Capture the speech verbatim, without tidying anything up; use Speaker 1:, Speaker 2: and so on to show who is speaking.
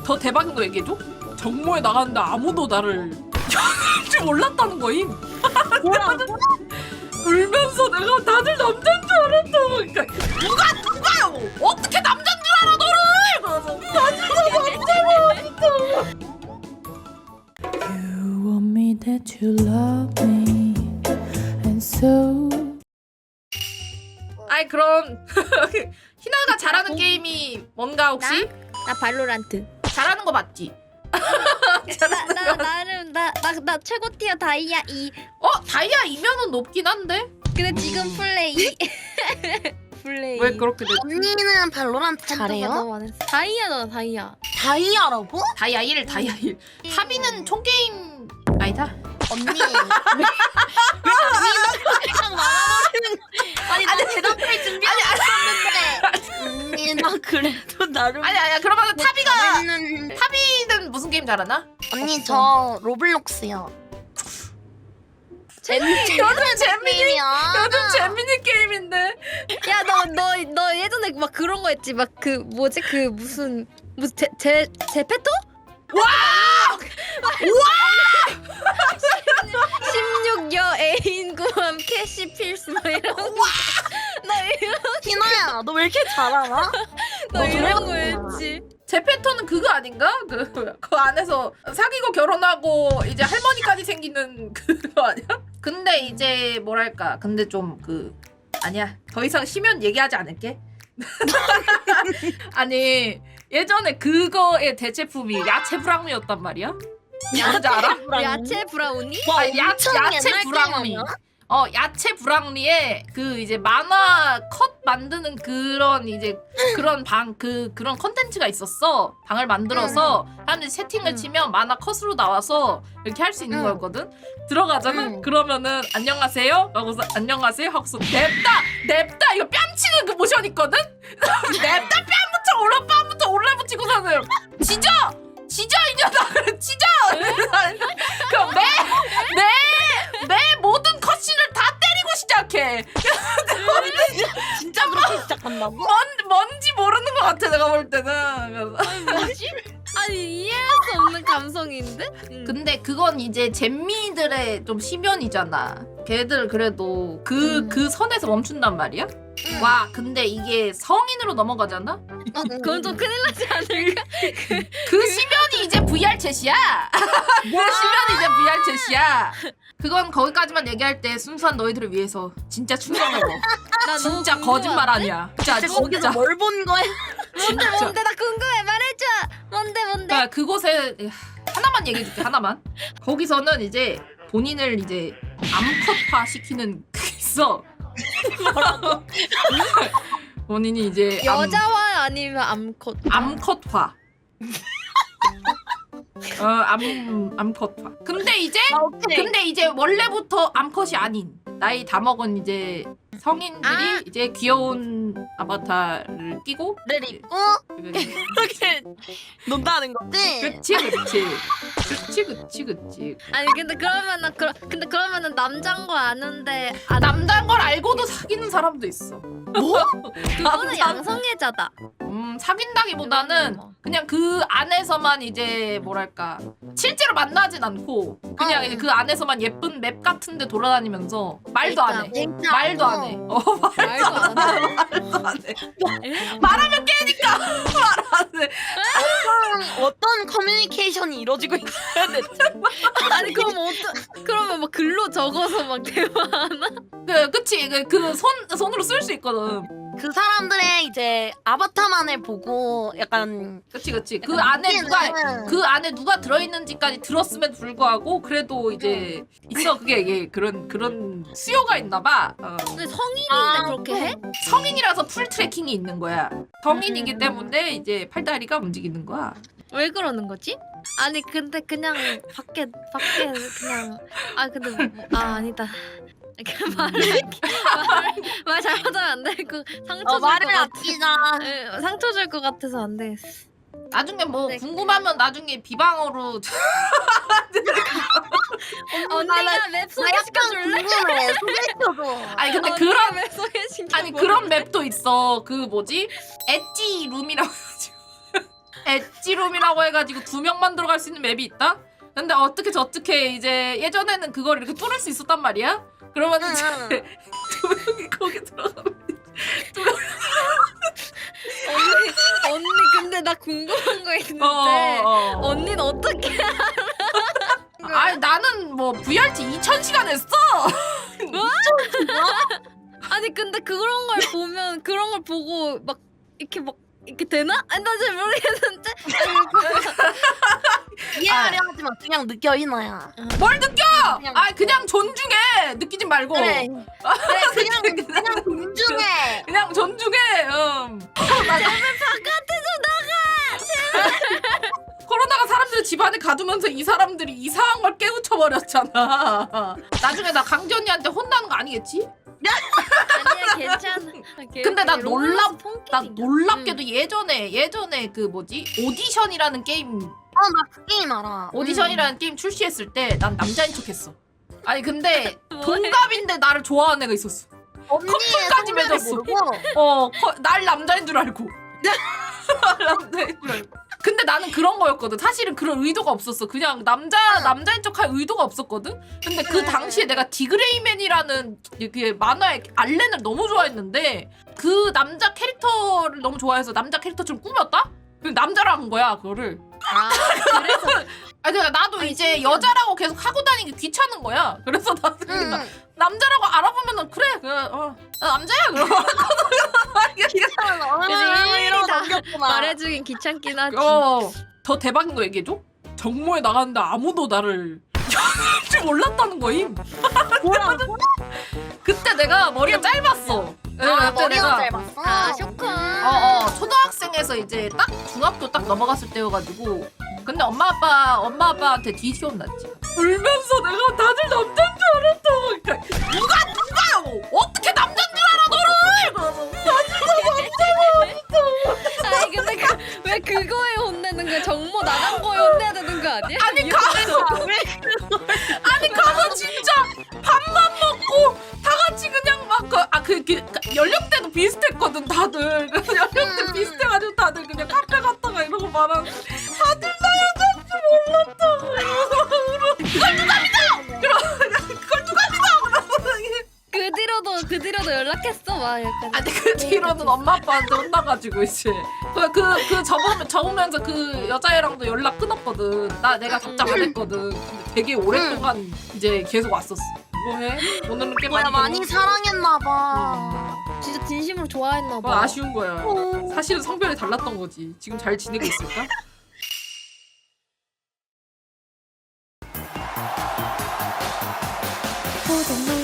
Speaker 1: 더 대박인 거 얘기해줘? 정모에 나갔는데 아무도 나를 줄 몰랐다는 거임.
Speaker 2: 뭐야?
Speaker 1: 울면서 내가 다들 남자인 줄 알았다. 그러니까 누가 누가요? 어떻게 남자인 줄 알아 너를? 그래서 다들 다 남자고.
Speaker 3: You want me that you love me and so.
Speaker 1: 아이 그럼 희나가 잘하는 게임이 뭔가 혹시?
Speaker 2: 나 발로란트.
Speaker 1: 잘하는 거 맞지?
Speaker 2: 나, 나 나름 나 나 나 최고 티어 다이아 이.
Speaker 1: 어? 다이아 이면은 높긴 한데?
Speaker 2: 근데 지금 플레이. 플레이.
Speaker 1: 왜 그렇게 됐지?
Speaker 4: 언니는 발로란트 잘해요?
Speaker 2: 다이아다 다이아.
Speaker 4: 다이아라고?
Speaker 1: 다이아 일, 다이아 일. 타비는 총게임 아니다.
Speaker 4: 언니 왜 언니는 그냥 말아버리는 아니 나 대답할 준비하고 있었는데 언니 나 그래도 나름
Speaker 1: 아니 아니야 그러면 타비가
Speaker 4: 잘하는...
Speaker 1: 타비는 무슨 게임 잘하나?
Speaker 4: 언니 저 로블록스요.
Speaker 2: 재미.
Speaker 1: 요즘 재민이
Speaker 4: 게임이야.
Speaker 1: 요즘 재민이 게임인데.
Speaker 2: 야 너 너 너 예전에 막 그런 거 했지 막 그 뭐지 그 무슨 무슨 제제 제페토?
Speaker 1: 와!
Speaker 2: 십육여 애인 구함 캐시 필스 뭐 이런 거. 나 이런
Speaker 4: 희나야 너 왜 이렇게 잘 알아?
Speaker 2: 너 이런 거 했지.
Speaker 1: 제 패턴은 그거 아닌가? 그, 그 안에서 사귀고 결혼하고 이제 할머니까지 생기는 그거 아니야? 근데 이제 뭐랄까 근데 좀 그 아니야 더 이상 쉬면 얘기하지 않을게. 아니 예전에 그거의 대체품이 야채 브라운이었단 말이야? 뭔지 알아?
Speaker 2: 야채 브라우니?
Speaker 4: 와
Speaker 1: 아니, 야-
Speaker 4: 엄청
Speaker 1: 야채
Speaker 4: 옛날 게임
Speaker 1: 브라우니.
Speaker 4: 아니야?
Speaker 1: 어 야채 브랑리에 그 이제 만화 컷 만드는 그런 이제 그런 방 그 그런 컨텐츠가 있었어. 방을 만들어서 사람들이 채팅을
Speaker 2: 응.
Speaker 1: 치면 만화 컷으로 나와서 이렇게 할 수 있는
Speaker 4: 응.
Speaker 1: 거였거든. 들어가잖아.
Speaker 4: 응.
Speaker 1: 그러면은 안녕하세요 하고서 안녕하세요 하고서 냅다 냅다 이거 뺨치는 그 모션 있거든. 냅다 뺨부터 올라 뺨부터 올라 붙이고서는 지져 지져 이년아 그래 지져. 그럼 내내 모든 컷신을 다 때리고 시작해.
Speaker 4: 진짜 그렇게 시작한다고?
Speaker 1: 뭔 뭔지 모르는 것 같아 내가 볼 때는.
Speaker 2: 뭐지? 아니 이해할 수 없는 감성인데? 응.
Speaker 1: 근데 그건 이제 잼미들의 좀 시면이잖아. 걔들 그래도 그 그
Speaker 2: 음.
Speaker 1: 선에서 멈춘단 말이야.
Speaker 4: 응.
Speaker 1: 와 근데 이게 성인으로 넘어가잖아.
Speaker 2: 그건 좀 큰일 나지 않을까?
Speaker 1: 그 시면이 이제 브이알 챗이야. 그 시면이 이제 브이알 챗이야. 그건 거기까지만 얘기할 때 순수한 너희들을 위해서 진짜 충격을 먹어.
Speaker 2: 나 너무
Speaker 1: 진짜
Speaker 2: 궁금한데?
Speaker 1: 거짓말 아니야. 진짜
Speaker 4: 진짜 거기서
Speaker 1: 진짜.
Speaker 4: 뭘 본 거야?
Speaker 2: 뭔데
Speaker 1: 진짜.
Speaker 2: 뭔데 나 궁금해 말해줘. 뭔데 뭔데?
Speaker 1: 그러니까 그곳에 하나만 얘기해줄게 하나만. 거기서는 이제 본인을 이제 암컷화 시키는 그게 있어. 본인이 이제 암,
Speaker 2: 여자화 아니면 암컷?
Speaker 1: 암컷화. 어, 암 암컷화. 근데 이제
Speaker 4: 아, 오케이.
Speaker 1: 근데 이제 원래부터 암컷이 아닌 나이 다 먹은 이제 성인들이
Speaker 2: 아.
Speaker 1: 이제 귀여운 아바타를 끼고
Speaker 4: 를 입고 이렇게 논다는 거지?
Speaker 1: 그치 그치 그치 그치 그치.
Speaker 2: 아니 근데 그러면은 그러, 근데 그러면은 남잔 거 아는데 아
Speaker 1: 남자인 걸 알고도 사귀는 사람도 있어.
Speaker 4: 뭐?
Speaker 2: 그거는
Speaker 1: 남자-
Speaker 2: 양성애자다.
Speaker 1: 음 사귄다기보다는
Speaker 2: 뭐.
Speaker 1: 그냥 그 안에서만 이제 뭐랄까 실제로 만나진 않고 그냥
Speaker 4: 어.
Speaker 1: 이제 그 안에서만 예쁜 맵 같은데 돌아다니면서 말도 안 해.
Speaker 4: 진짜
Speaker 1: 말도 안 해. 어
Speaker 2: 말도 안 해.
Speaker 1: 말도 안 해. 말하면 깨니까 말 안 해.
Speaker 4: 어떤, 어떤 커뮤니케이션이 이루어지고 있어야 돼?
Speaker 2: 아니 그럼 어떠? 그러면 막 글로 적어서 막 대화하나?
Speaker 1: 그 그치 그손 손으로 쓸 수 있거든.
Speaker 4: 그 사람들의 이제 아바타만을 보고 약간
Speaker 1: 그치 그치 그 안에 누가
Speaker 4: 느끼는
Speaker 1: 그 안에 누가 들어있는지까지 들었음에도 불구하고 그래도 이제 있어 그게 이게 그런 그런 수요가 있나봐. 어.
Speaker 2: 근데 성인인데
Speaker 4: 아,
Speaker 2: 그렇게 해?
Speaker 1: 성인이라서 풀 트래킹이 있는 거야. 성인이기
Speaker 4: 음.
Speaker 1: 때문에 이제 팔다리가 움직이는 거야.
Speaker 2: 왜 그러는 거지? 아니 근데 그냥 밖에 밖에 그냥 아 근데 뭐, 아 아니다. 이렇게 말을 말, 말 잘못하면 안 되고 상처
Speaker 4: 어,
Speaker 2: 줄
Speaker 4: 말을
Speaker 2: 것 같아.
Speaker 4: 아끼자.
Speaker 2: 에, 상처 줄 것 같아서 안 되겠어.
Speaker 1: 나중에 뭐
Speaker 2: 네.
Speaker 1: 궁금하면 나중에 비방어로
Speaker 2: 언니가 맵
Speaker 4: 나
Speaker 2: 소개시켜
Speaker 4: 약간
Speaker 2: 줄래?
Speaker 4: 궁금해. 소개시켜줘.
Speaker 1: 아니 근데
Speaker 2: 언니가
Speaker 1: 그런
Speaker 2: 맵 소개시켜.
Speaker 1: 아니 그런 맵도 있어. 그 뭐지 엣지 룸이라고 해가지고 엣지룸이라고 해가지고 두 명만 들어갈 수 있는 맵이 있다. 근데 어떻게 저떻게 이제 예전에는 그걸 이렇게 뚫을 수 있었단 말이야. 그러면
Speaker 4: 응,
Speaker 1: 이제
Speaker 4: 응.
Speaker 1: 두 명이 거기 들어가면
Speaker 2: 언니 언니 근데 나 궁금한 거 있는데
Speaker 1: 어, 어.
Speaker 2: 언니는 어떻게
Speaker 1: 아니 나는 뭐 브이알티 이천 시간 했어.
Speaker 2: 아니 근데 그런 걸 보면 그런 걸 보고 막 이렇게 막 이렇게 되나? 아니 나 잘 모르겠는데.
Speaker 4: 이해하려 하지 마. 그냥 느껴 이나야.
Speaker 1: 뭘 느껴?
Speaker 4: 그냥-
Speaker 1: 아 그냥 존중해. 느끼지 말고.
Speaker 4: 그래. 그래 그냥 그냥 존중해.
Speaker 1: 그냥 존중해. 음.
Speaker 2: 제발 바깥에 좀 나가.
Speaker 1: 코로나가 사람들 집 안에 가두면서 이 사람들이 이상한 걸 깨우쳐 버렸잖아. 나중에 나 강지 언니한테 혼나는 거 아니겠지?
Speaker 2: 아니야 괜찮아.
Speaker 1: 근데 나 놀랍- 나
Speaker 2: 음.
Speaker 1: 놀랍게도 예전에 예전에 그 뭐지 오디션이라는 게임
Speaker 4: 어나 그 게임 알아.
Speaker 1: 오디션이라는 게임 출시했을 때 난 남자인 척했어. 아니 근데
Speaker 2: 뭐해?
Speaker 1: 동갑인데 나를 좋아하는 애가 있었어.
Speaker 4: 언니의
Speaker 1: 커플까지
Speaker 4: 성별을
Speaker 1: 맺었어.
Speaker 4: 모르고.
Speaker 1: 어, 커- 날 남자인 줄 알고. 날 남자인 줄 알고. 근데 나는 그런 거였거든. 사실은 그런 의도가 없었어. 그냥 남자
Speaker 4: 응.
Speaker 1: 남자인 척할 의도가 없었거든. 근데 그
Speaker 4: 응,
Speaker 1: 당시에
Speaker 4: 응.
Speaker 1: 내가 디그레이맨이라는 그 만화의 알렌을 너무 좋아했는데 그 남자 캐릭터를 너무 좋아해서 남자 캐릭터처럼 꾸몄다? 그리고 남자로 한 거야 그거를.
Speaker 2: 아 그래서
Speaker 1: 아니 그러니까 나도
Speaker 2: 아니,
Speaker 1: 이제
Speaker 2: 신기하다.
Speaker 1: 여자라고 계속 하고 다니기 귀찮은 거야. 그래서 나도
Speaker 4: 응.
Speaker 1: 그냥 남자라고 알아보면은 그래 그 어, 나 남자야 그러고.
Speaker 2: 그치,
Speaker 4: 이러고
Speaker 2: 다
Speaker 4: 넘겼구나.
Speaker 2: 말해주긴 귀찮긴 하지.
Speaker 1: 어, 더 대박인 거 얘기해줘? 정모에 나갔는데 아무도 나를 연애할 줄 몰랐다는 거임.
Speaker 4: 뭐야?
Speaker 1: 그때 내가 머리가 짧았어. 네,
Speaker 4: 아
Speaker 1: 그때
Speaker 4: 머리가
Speaker 1: 내가
Speaker 4: 짧았어.
Speaker 2: 아 쇼크.
Speaker 1: 어, 어, 초등학생에서 이제 딱 중학교 딱 넘어갔을 때여가지고 근데 엄마 아빠 엄마 아빠한테 뒤지 혼났지. 울면서 내가 다들 남자인 줄 알았다고. 그러니까 누가 누가요? 어떻게 남자인 줄 알아 너를? 그래서
Speaker 2: 아니 근데 그, 왜 그거에 혼내는 거야? 정모 나간 거에 혼내야 되는 거 아니야?
Speaker 1: 아니 가서 아니 가서 진짜 밥만 먹고 다 같이 그냥 막그아그 그, 그, 연령대도 비슷했거든 다들. 그래서 연령대
Speaker 4: 음.
Speaker 1: 비슷해가지고 다들 그냥 카페 갔다가 이러고 말하는 다들 나 여자인 줄 몰랐다고 이러고 그걸 누가 믿어? 그러 그걸 누가 믿어? 그러고
Speaker 2: 그 뒤로도 그 뒤로도 연락했어 막 약간.
Speaker 1: 아니 그 뒤로는 엄마 아빠한테 혼나가지고 이제 그 그 그 접으면 접으면서 그 여자애랑도 연락 끊었거든. 나 내가 답장 안 했거든. 근데 되게 오랫동안 이제 계속 왔었어. 뭐해? 오늘은 꽤
Speaker 4: 뭐야
Speaker 1: 많이
Speaker 4: 많이 사랑했나 봐.
Speaker 2: 진짜 진심으로 좋아했나
Speaker 1: 뭐
Speaker 2: 봐.
Speaker 1: 아쉬운 거야. 사실은 성별이 달랐던 거지. 지금 잘 지내고 있을까?
Speaker 3: For the